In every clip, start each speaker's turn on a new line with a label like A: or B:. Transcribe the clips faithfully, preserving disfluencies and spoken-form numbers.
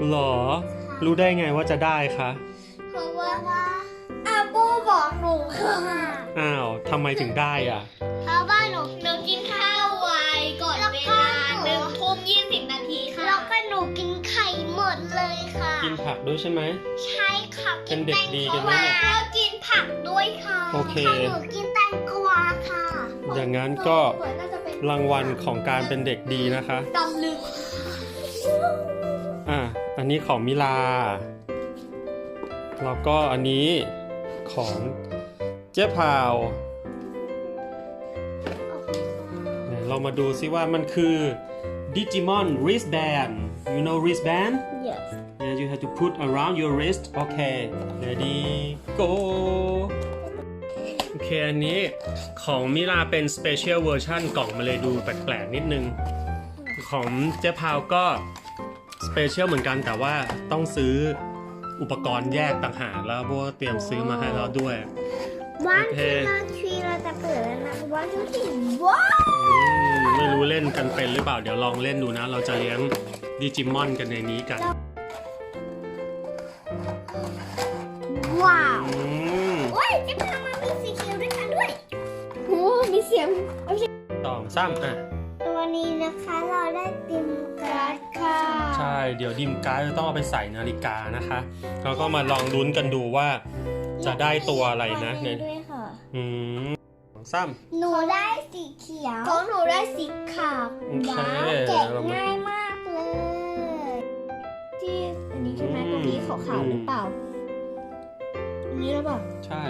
A: หรอรู้ได้ไงว่าจะได้คะ
B: เพราะว่าอาบูบอกหนูค่ะ
A: อ้าวทำไมถึงได้อ่ะ
B: เพราะว่าหนูหนูกินข้าวไวก่อนเวลาหนึ่งทุ่มยี่สิบนาทีค่ะแล้วก็หนูกินไข่หมดเลยค่ะ
A: กินผักด้วยใช่ไหม
B: ใช่ค่ะ
A: เป็นเด็กดีกันไหมเนี่ย
B: แล้วกินผักด้วยค่ะ
A: โอเค
B: หนูกินแตงกวาค่ะ
A: อย่างนั้นก็รางวัลของการเป็นเด็กดีนะคะ
B: ดำลึก
A: อ่ะอันนี้ของมิลาแล้วก็อันนี้ของเจ๊พาวเรามาดูซิว่ามันคือ Digimon wristband you know wristband
B: yes
A: yeah you have to put around your wrist okay ready go โอเคอันนี้ของมิลาเป็น special version กล่องมาเลยดูแปลกๆนิดนึงของเจ๊พาวก็ special เหมือนกันแต่ว่าต้องซื้ออุปกรณ์แยกต่างหากแล้วเพราะว่าเตรียมซื้อมาให้เราด้วย
B: วันที่เราทีเราจะเปิดแล้วนะวันที่ว้าว
A: ไม่รู้เล่นกันเป็นหรือเปล่าเดี๋ยวลองเล่นดูนะเราจะเลี้ยงดิจิมอนกันในนี้กัน
B: ว้าวโอ้ยจะพามามีสีเขียวด้วยกันด้วยโอ้มีเสียง
A: สองสามอ่ะ
B: ตัวนี้นะคะเราได้ดิมการ์ดค่ะ
A: ใช่เดี๋ยวดิมการ์ดจะต้องเอาไปใส่นาฬิกานะคะแล้วก็มาลองลุ้นกันดูว่าจะได้ตัวอะไรนะเนี่ยอืมซ้ำ
B: หนูได้สีเขียวของหนูได้สีขาวว้าวแกะง่ายมากเลยที่อันนี้ใช่ไหมตรงนี้ขาวๆหรือเปล่าอันนี้หรือเปล่า
A: ใช่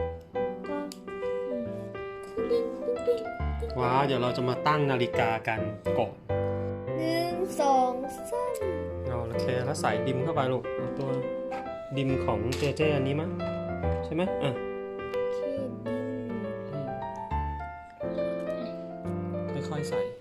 A: ว้าวเดี๋ยวเราจะมาตั้งนาฬิกากันก่อน
B: หนึ่งสองสาม
A: เอาโอเคแล้วใส่ดิมเข้าไปลูกเอาตัวดิมของเจเจอันนี้มั้ยใช่ไหมอ่ะค่อยๆใส่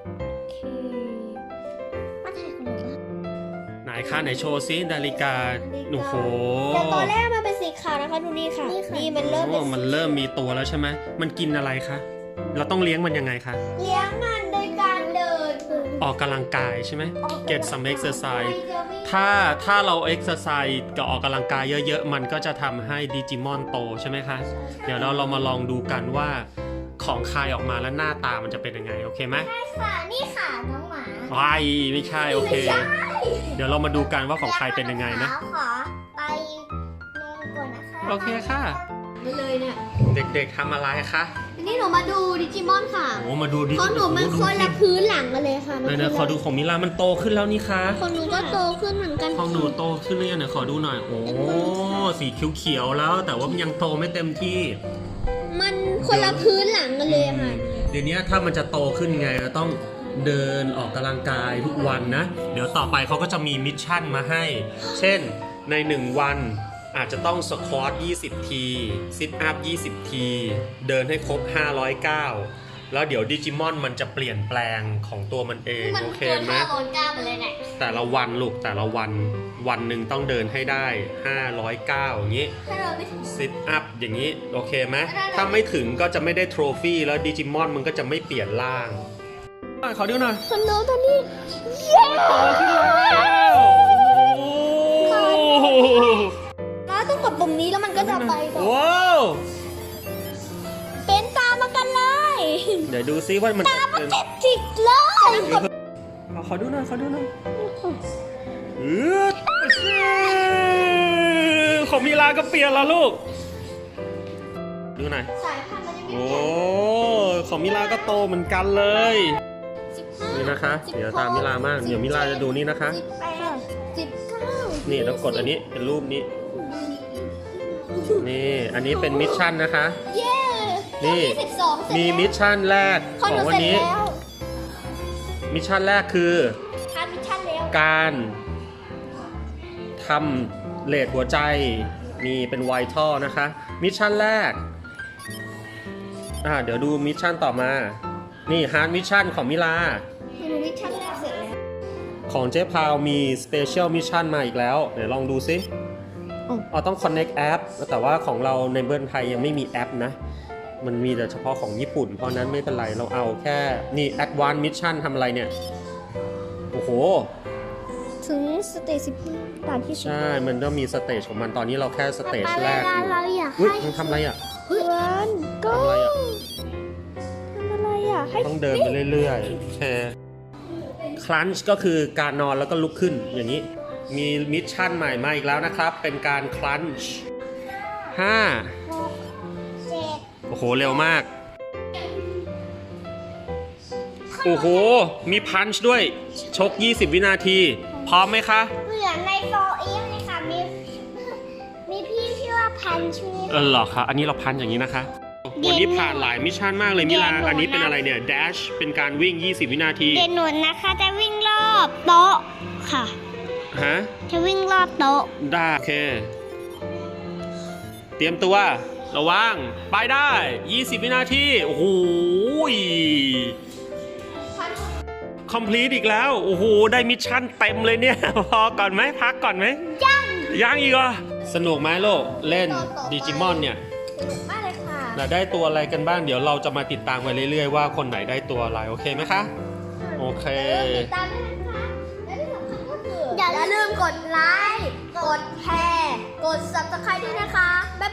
B: มาถ่ายของหนูบ้าง
A: ไหนคะไหนโชว์ซินาฬิกาโอ้โห
B: แต่ตอนแรกมันเป็นสีขาวนะคะดูนี่ค่ะนี่มันเริ่ม
A: มันเริ่มมีตัวแล้วใช่ไหมมันกินอะไรคะเราต้องเลี้ยงมันยังไงคะ
B: เลี้ยงมันโดยการเดิน
A: ออกกำลังกายใช่ไหม get some exercise ถ้าถ้าเรา exercise กับออกกำลังกายเยอะๆมันก็จะทำให้ดิจิมอนโตใช่ไหมคะเดี๋ยวเราเรามาลองดูกันว่าของคายออกมาแล้วหน้าตามันจะเป็นยังไงโอเคไหม
B: ใช่ค่ะนี่ค่ะน้องหมา
A: ไอ้ไม่ใช่โอเคเดี๋ยวเรามาดูกันว่าของคายเป็นยังไงนะ
B: ขอไปนอนก่อนนะคะ
A: โอเคค่ะ
B: ไปเลยเนี่ย
A: เด็กๆทำอะไรคะ
B: นี่หนูมาดูดิจิมอนค่ะ
A: โอ้มาดูดิจิมอน
B: ของหนูมันคนละพื้นหลังกันเลยค่ะ
A: ไหนๆขอดูของมิลามันโตขึ้นแล้วนี่คะ
B: ของหนูก็โตขึ้นเหมือนกัน
A: ของหนูโตขึ้นเลยเนี่ยขอดูหน่อยโอ้สีเขียวๆแล้วแต่ว่ามันยังโตไม่เต็มที่
B: มันคนละพื้นหลังกันเลยค่ะ
A: เดี๋ยวนี้ถ้ามันจะโตขึ้นไงเราต้องเดินออกกำลังกายทุกวันนะเดี๋ยวต่อไปเขาก็จะมีมิชชั่นมาให้เช่นในหนึ่งวันอาจจะต้องสควอตยี่สิบทีซิทอัพยี่สิบทีเดินให้ครบห้าร้อยเก้าแล้วเดี๋ยวดิจิมอนมันจะเปลี่ยนแปลงของตัวมันเองโอเคไหมแต่ละวันลูกแต่ละวันวันหนึ่งต้องเดินให้ได้ห้าร้อยเก้าอย่างนี้ซิทอัพอย่างนี้โอเคไหมถ้าไม่ถึงก็จะไม่ได้โทรฟี่แล้วดิจิมอนมันก็จะไม่เปลี่ยนร่างขอดูหน่อย
B: คนน้องตอนนี้เย้
A: โตขึ้นแล้ว
B: น้าต้องกดปุ่มนี้แล้วมันก็จะไป
A: ว้าว
B: เป็นตามมากันเลย
A: เดี๋ยวดูซิว่ามัน
B: ตามมาติดจิกเลย
A: ขอดูหน่อยขอดูหน่อยของมิลาก็เปลี่ยนแล้วลูกดูหน่อย
B: สายพันธุ์มันยังไม่
A: โอ้ของมิลาก็โตเหมือนกันเลยนี่นะคะเดี๋ยวตามมิลามากเดี๋ยวมิลาจะดูนี่นะคะ
B: สิบแปดสิบเก้า
A: นี่แล้วกดอันนี้เป็นรูปนี้นี่อันนี้เป็นมิชชั่นนะคะนี่มีมิชชั่นแรกของวันนี้มิชชั่นแรกคือการทำเลดหัวใจนี่เป็นไวท์ท่อนะคะมิชชั่นแรกอ่าเดี๋ยวดูมิชชั่นต่อมานี่ฮาร์ดมิชชั่นของมิลา
B: มิชชั่นแรกเสร็จแล้ว
A: ของเจ๊พาวมีสเปเชียลมิชชั่นมาอีกแล้วเดี๋ยวลองดูซิอ๋อต้อง connect app แต่ว่าของเราในเมืองไทยยังไม่มีแอปนะมันมีแต่เฉพาะของญี่ปุ่นเพราะนั้นไม่เป็นไรเราเอาแค่นี่ advanced mission ทำอะไรเนี่ยโอ้โห
B: ถึงสเตจสิบด่านที่สิบ
A: ใช่ มันต้องมีสเตจของมัน ตอนนี้เราแค่สเตจแรกอยู่
B: เราอยาก
A: อุ้ย
B: ให้
A: มันทำอะไรอ่ะ
B: เพื่อนก็
A: ทำอะไรอ่ะ
B: ทำอะไรอ่ะให้
A: ต้องเดินไปเรื่อยๆโอเคคลันช์ก็คือการนอนแล้วก็ลุกขึ้นอย่างนี้ มีมิชชั่นใหม่มาอีกแล้วนะครับ เป็นการคลันช์ห้า
B: หกเจ็ด
A: โอ้โห เร็วมาก โอ้โห มีพันช์ด้วย ชก ยี่สิบ วินาที พร้อมไหมคะ
B: เหมือนในโฟอีฟเลยค่ะมีมีพี่ชื่อว่าพันชื่อ
A: เออเหรอคะ อันนี้เราพันอย่างนี้นะคะ วันนี้ผ่านหลายมิชชั่นมากเลยมิลา อันนี้เป็นอะไรเนี่ย dash เป็นการวิ่ง ยี่สิบ วินาที
B: เดนหนุนนะคะจะวิ่งรอบโต๊ะค่ะ
A: ฮะ
B: จะวิ่งรอบโต๊ะ
A: ได้โอเค เตรียมตัว ระวัง ไปได้ ยี่สิบ วินาที โอ้โห complete อีกแล้ว โอ้โห ได้มิชชั่นเต็มเลยเนี่ย พอก่อนไหม พักก่อนไหม
B: ยัง
A: ยังอีกเหรอ สนุกไหมโลก เล่นดิจิมอนเนี่ย
B: สนุกมากเลยค่ะ
A: เราได้ตัวอะไรกันบ้าง เดี๋ยวเราจะมาติดตามไปเรื่อยๆว่าคนไหนได้ตัวอะไร โอเคไหมคะ โอเค
B: ติดตามด้วยนะคะและที่สำคัญก็คืออย่าลืมกดไลค์ กดแชร์ กด ซับสไครบ์ ด้วยนะคะ บ๊าย